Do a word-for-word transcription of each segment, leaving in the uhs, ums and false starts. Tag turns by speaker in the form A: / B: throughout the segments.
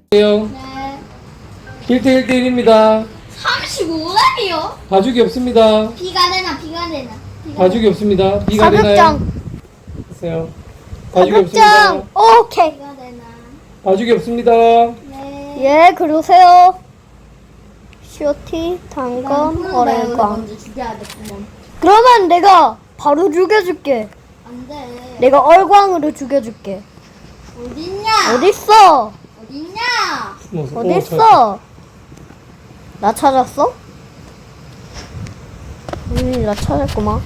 A: 네. 일 대 일 대 일입니다.
B: 삼십오 렙이요?
A: 봐주기 없습니다.
B: 비가 내나 비가 내나 비가
A: 봐주기 없습니다. 비가 되나요?
C: 사격장.
A: 보세요. 봐주기 없습니다.
C: 사격장. 오케이.
B: 비가 내나
A: 봐주기 없습니다.
B: 네.
C: 예, 그러세요. 쇼티, 단검, 어레광.
B: 먼저 죽여야겠구먼.
C: 그러면 내가 바로 죽여줄게.
B: 안돼.
C: 내가 얼광으로 죽여줄게.
B: 어딨냐?
C: 어딨어?
B: 어딨냐?
A: 숨어서. 오,
C: 어딨어? 나 찾았어? 음, 나 찾았구만.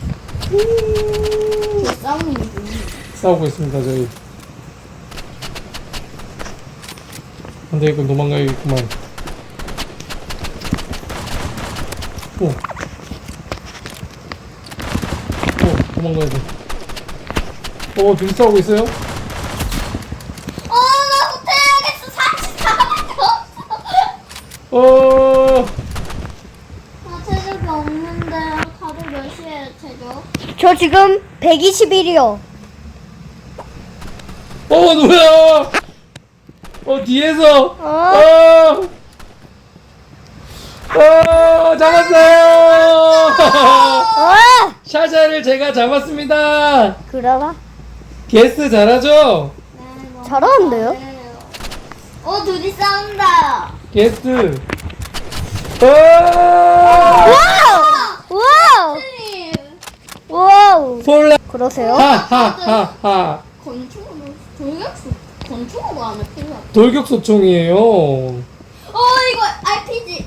B: 그 싸우는 중.
A: 잘 싸우고 있습니다, 저희. 안돼, 이건 도망가야겠구만. 오. 오, 도망가야 돼. 오, 둘이 싸우고 있어요?
B: 어, 나 후퇴해야겠어. 삼십사 렙도 없어.
A: 어,
B: 나 체력이 없는데 다들 몇 시에 체력?
C: 저 지금 백이십일이요.
A: 어, 누구야? 어, 뒤에서.
C: 어?
A: 어, 어, 잡았어요!
C: 아!
A: 샤샤를 제가 잡았습니다.
C: 그러나?
A: 게스트 잘하죠?
B: 네, 너무
C: 잘하는데요?
B: 잘해요. 어, 둘이 싸운다.
A: 게스트. 어!
C: 와우! 와우!
B: 님,
C: 와우!
A: 폴라.
C: 그러세요?
A: 하하하하.
B: 건축으로 돌격수 건축으로 안에 필요.
A: 돌격소총이에요.
B: 어, 이거 알피지.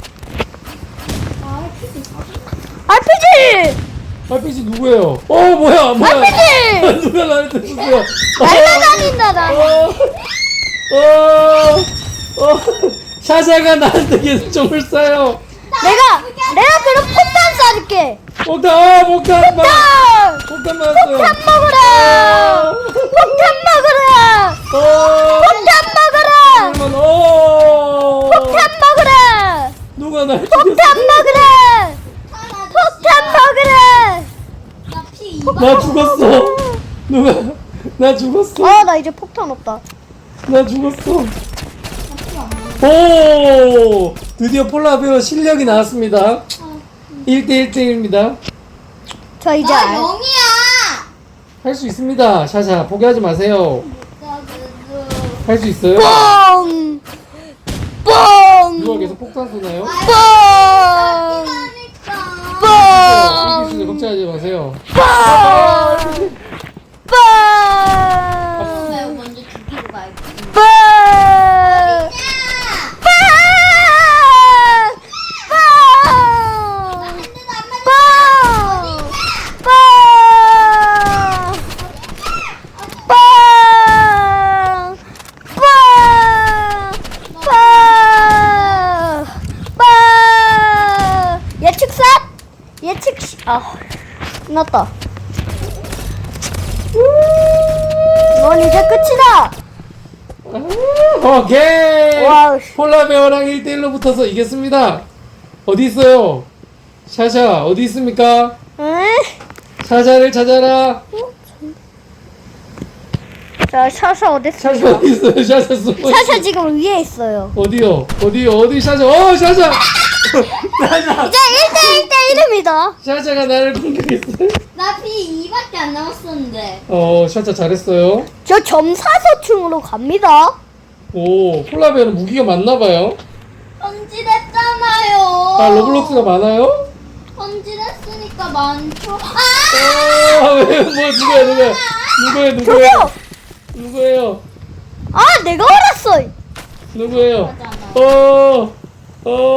B: 아, 알피지 사실.
C: 알피지!
A: 알피지 누구예요? 어, 뭐야, 뭐야.
C: 알피지!
A: 누가 나한테 쏘세요?
C: 날라다닌다, 나.
A: 어, 어, 어, 샤샤가 나한테 계속 총을 쏴요.
C: 내가, 내가 그럼 폭탄 쏴줄게!
A: 폭탄, 아, 폭탄, 막.
C: 폭탄!
A: 폭탄 맞았어요.
C: 폭탄 먹어라! 폭탄 먹어라!
A: 어,
C: 폭탄 먹어라!
A: 그러면, 어,
C: 폭탄 먹어라!
A: 누가 날
C: 폭탄
A: 죽였어?
C: 먹어라!
B: 폭탄
C: 폭탄 먹어라!
B: 나피 이만.
A: 나 죽었어. 누가, 나 죽었어.
C: 아, 나 이제 폭탄 없다.
A: 나 죽었어.
B: 나피 없는.
A: 오! 드디어 폴라베어 실력이 나왔습니다. 일 대 일 대 일입니다.
C: 저 이제
B: 나
C: 알.
B: 영이야.
A: 할 수 있습니다. 샤샤, 포기하지 마세요.
B: 나 그래도.
A: 할 수 있어요.
C: 뻥!
A: 누가
C: 뻥!
A: 계속 폭탄 쏘나요?
C: 뻥!
B: 기다니까.
C: 뻥!
A: 이기시죠. 걱정하지 마세요.
C: 뻥! 뻥!
B: 내가 먼저 죽이고 가야겠다.
C: 뻥!
B: 야!
C: 뻥!
B: 나
C: 뻥!
B: 핸드도 안 맞았어.
C: 뻥! 뻥! 뻥! 뻥! 뻥! 뻥! 예측샷? 예측, 아, 끝났다. 넌 이제 끝이다!
A: 오케이!
C: 와우.
A: 폴라베어랑 일 대 일로 붙어서 이겼습니다. 어디 있어요? 샤샤, 어디 있습니까?
C: 응?
A: 샤샤를 찾아라.
C: 자, 샤샤 어딨어?
A: 샤샤 어디 있어요? 샤샤 숨어
C: 샤샤 지금 위에 있어요.
A: 어디요? 어디요? 어디 샤샤? 어, 샤샤! 샤샤!
C: 이제 일 대 일 대 일입니다.
A: 샤샤가 나를 공격했어요.
B: 나피 이밖에 안 남았었는데.
A: 어, 샤샤 잘했어요.
C: 저 점사소충으로 갑니다.
A: 오, 폴라베어는 무기가 많나봐요.
B: 헌질했잖아요.
A: 아, 로블록스가 많아요?
B: 헌질했으니까 많죠. 아!
A: 아, 왜, 뭐, 누구야, 누구야? 누구예요, 누구예요?
C: 저기요!
A: 누구예요?
C: 아, 내가 알았어!
A: 누구예요?
B: 맞아, 맞아.
A: 어, 어,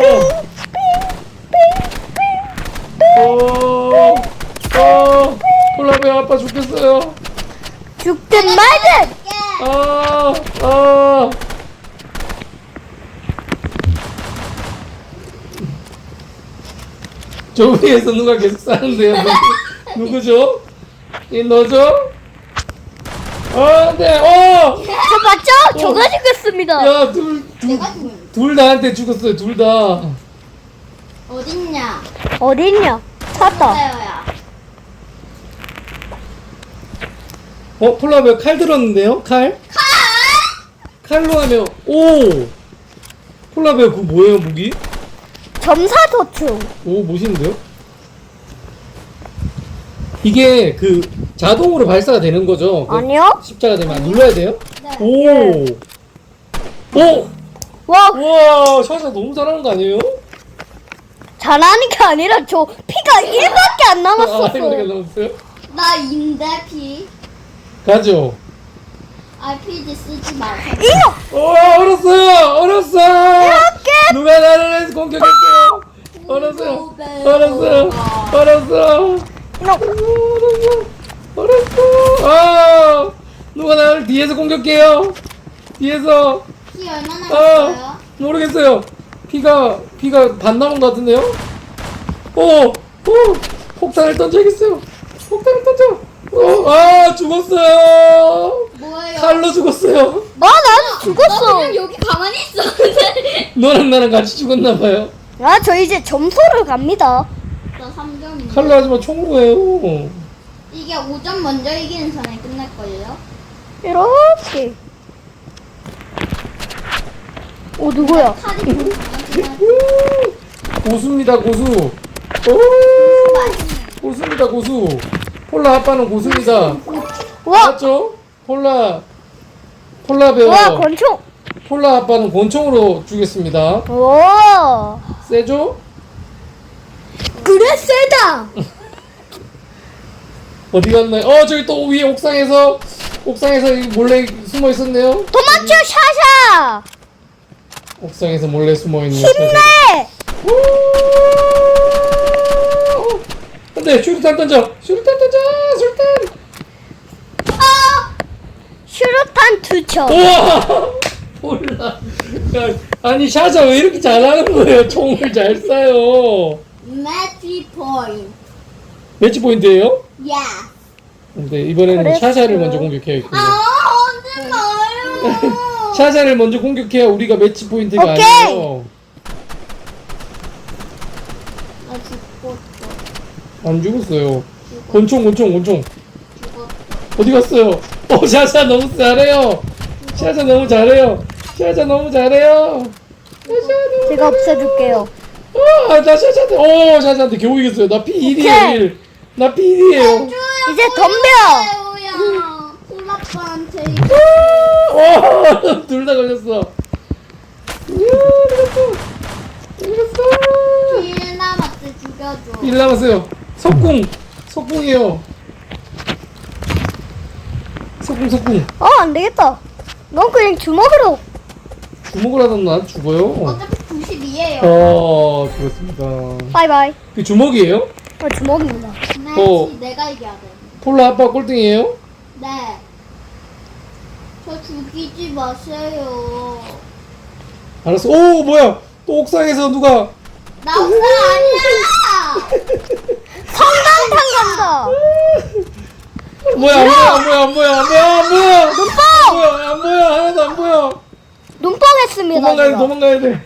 A: 어, 어, 폴라베어 아빠 죽겠어요.
C: 죽든 말든!
A: 아, 아. 저 위에서 누가 계속 싸는데요? 누구, 누구죠? 이 너죠? 어, 네, 어!
C: 저 맞죠? 저가 죽였습니다.
A: 야, 둘, 둘,
B: 내가 죽은
A: 둘 나한테 죽었어요, 둘 다.
B: 어딨냐?
C: 어딨냐? 찾았다.
B: 세요야.
A: 어, 폴라베어 칼 들었는데요? 칼?
B: 칼?
A: 칼로 하면 오 폴라베어 그거 뭐예요 무기?
C: 점사도충.
A: 오 멋있는데요? 이게 그 자동으로 발사가 되는 거죠? 그
C: 아니요?
A: 십자가 되면 안 눌러야 돼요?
B: 네.
A: 오! 오!
C: 와,
A: 우와 샤샤 너무 잘하는 거 아니에요?
C: 잘하는 게 아니라 저 피가 일밖에 안
A: 아
C: 남았었어.
A: 이렇게 남았어요?
B: 나 인데 피.
A: 가죠
B: 알피지 쓰지 마세요.
C: 이거
A: 오 얼었어요 얼었어
C: 이렇게
A: 누가 나를 공격할게요 얼었어요 얼었어요 얼었어
C: 이거
A: 얼었어 아 누가 나를 뒤에서 공격해요 뒤에서
B: 피 얼마나
A: 아
B: 있어요?
A: 모르겠어요 피가 피가 반 남은 것 같은데요 오! 오! 폭탄을 던져야겠어요 폭탄을 던져 어, 아 죽었어요
B: 뭐예요?
A: 칼로 죽었어요
C: 아 나도
B: 나
C: 죽었어.
B: 그냥 여기 가만히 있었는데.
A: 너랑 나랑 같이 죽었나봐요
C: 아 저 이제 점수를 갑니다.
B: 나 삼 점인데.
A: 칼로 하지만 총으로 해요
B: 이게 오 점 먼저 이기는 사람이 끝날 거예요.
C: 이렇게. 오 누구야?
B: 칼이 좀 강하지만
A: 우! 고수입니다 고수 오!
B: 맛있네.
A: 고수입니다 고수 폴라 아빠는 고수입니다
C: 와,
A: 맞죠? 폴라 폴라 배우
C: 와 권총.
A: 폴라 아빠는 권총으로 주겠습니다
C: 와,
A: 세죠?
C: 그래 세다.
A: 어디 갔나요? 어 저기 또 위에 옥상에서 옥상에서 몰래 숨어 있었네요
C: 도망쳐 샤샤.
A: 옥상에서 몰래 숨어 있는
C: 힘내.
A: 안돼 슈루탄 던져 슈루탄 던져 슈루탄
C: 슈루탄 투척.
A: 우와 몰라 야, 아니 샤샤 왜 이렇게 잘하는 거예요 총을 잘 쏴요
B: 매치 포인트.
A: 매치 포인트예요?
B: 야.
A: 근데 이번에는
C: 그랬어요.
A: 샤샤를 먼저 공격해야겠군요
B: 아 언제 나요?
A: 샤샤를 먼저 공격해야 우리가 매치 포인트가
C: 오케이.
A: 아니에요
B: 나 죽었어.
A: 안 죽었어요 권총 권총 권총
B: 죽었어.
A: 어디 갔어요? 어 샤샤 너무 잘해요 샤샤 너무 잘해요 샤샤 너무 잘해요 샤샤 너무
C: 제가 없애줄게요.
A: 아나 샤샤한테 오 샤샤한테 겨우 이겼어요 나 피 일이에요
C: 오케이.
A: 일 나 피 일이에요
C: 이제 덤벼.
B: 야 폴라빠한테
A: 와둘 다 걸렸어 이야 이겼어 이겼어
B: 일 남았대 죽여줘.
A: 일 남았어요 석궁 석궁이에요 석궁 석궁
C: 어 안되겠다. 넌 그냥 주먹으로.
A: 주먹을 하던 난 죽어요
B: 어차피 구십이에요.
A: 어 그렇습니다
C: 바이바이.
A: 그 주먹이에요?
C: 어 주먹입니다.
B: 매치
A: 어.
B: 내가 이겨야 돼.
A: 폴라 아빠 꼴등이에요?
B: 네. 저 죽이지 마세요.
A: 알았어 오 뭐야 또 옥상에서 누가
B: 나 옥상 아니야.
C: 성당탕 간다.
A: 뭐야 안 보여 안 보여 안 보여 안 보여 안 보여
C: 눈뽕.
A: 안 보여 안 보여 하나도 안 보여
C: 눈뽕했습니다.
A: 도망가야 돼
C: 제가.
A: 도망가야 돼어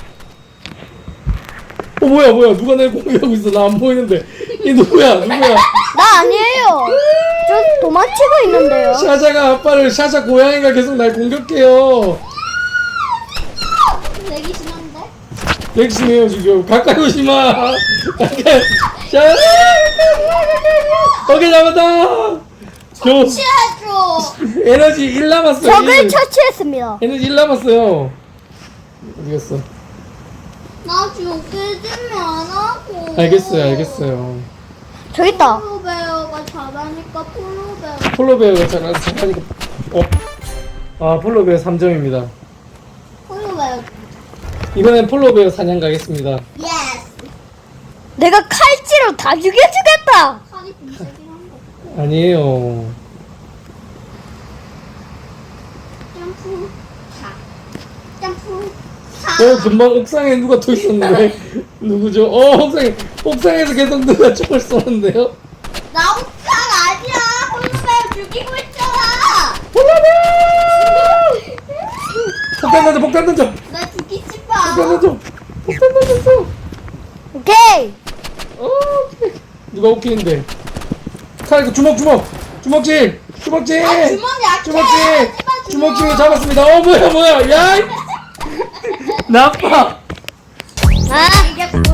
A: 뭐야 뭐야 누가 날 공격하고 있어 나 안 보이는데 이 누구야 누구야
C: 나 아니에요. 저 도망치고 있는데요.
A: 샤샤가 아빠를 샤샤 고양이가 계속 날 공격해요
B: 내기 심한데?
A: 백심해요 지금 가까이 오지마 가까이 샤 오케이 잡았다 겨우
B: 치아줘.
A: 에너지 일 남았어요
C: 적을
A: 일.
C: 처치했습니다.
A: 에너지 일 남았어요 어디 갔어
B: 나 죽이지 말라고.
A: 알겠어요 알겠어요
C: 저기 있다.
B: 폴로베어가 잘하니까 폴로베어.
A: 폴로베어가 잘 잘하니까 어? 아 폴로베어 삼 점입니다
B: 폴로베어.
A: 이번엔 폴로베어 사냥 가겠습니다
B: 예스.
C: 내가 칼질로 다 죽여주겠다.
B: 칼이 분색이란 거.
A: 아니에요
B: 점프. 사. 점프. 사.
A: 어 금방 옥상에 누가 또 있었는데 누구죠? 어 옥상에 옥상에서 계속 누가 총을 쏘는데요?
B: 나 옥상 아니야. 폴로베어 죽이고 있잖아.
A: 폴로베어! 폭탄 던져 폭탄 던져
B: 나 죽이지
A: 폭탄
B: 마.
A: 던져 폭탄 던졌어
C: 오케이.
A: 어 오케이. 누가 웃기는데 칼 주먹 주먹 주먹질 주먹질
B: 아 주머니 약해.
A: 주먹질
B: 하지마
A: 주먹치고 잡았습니다. 어 뭐야 뭐야 야 이- 나빠.
C: 아,
B: 이게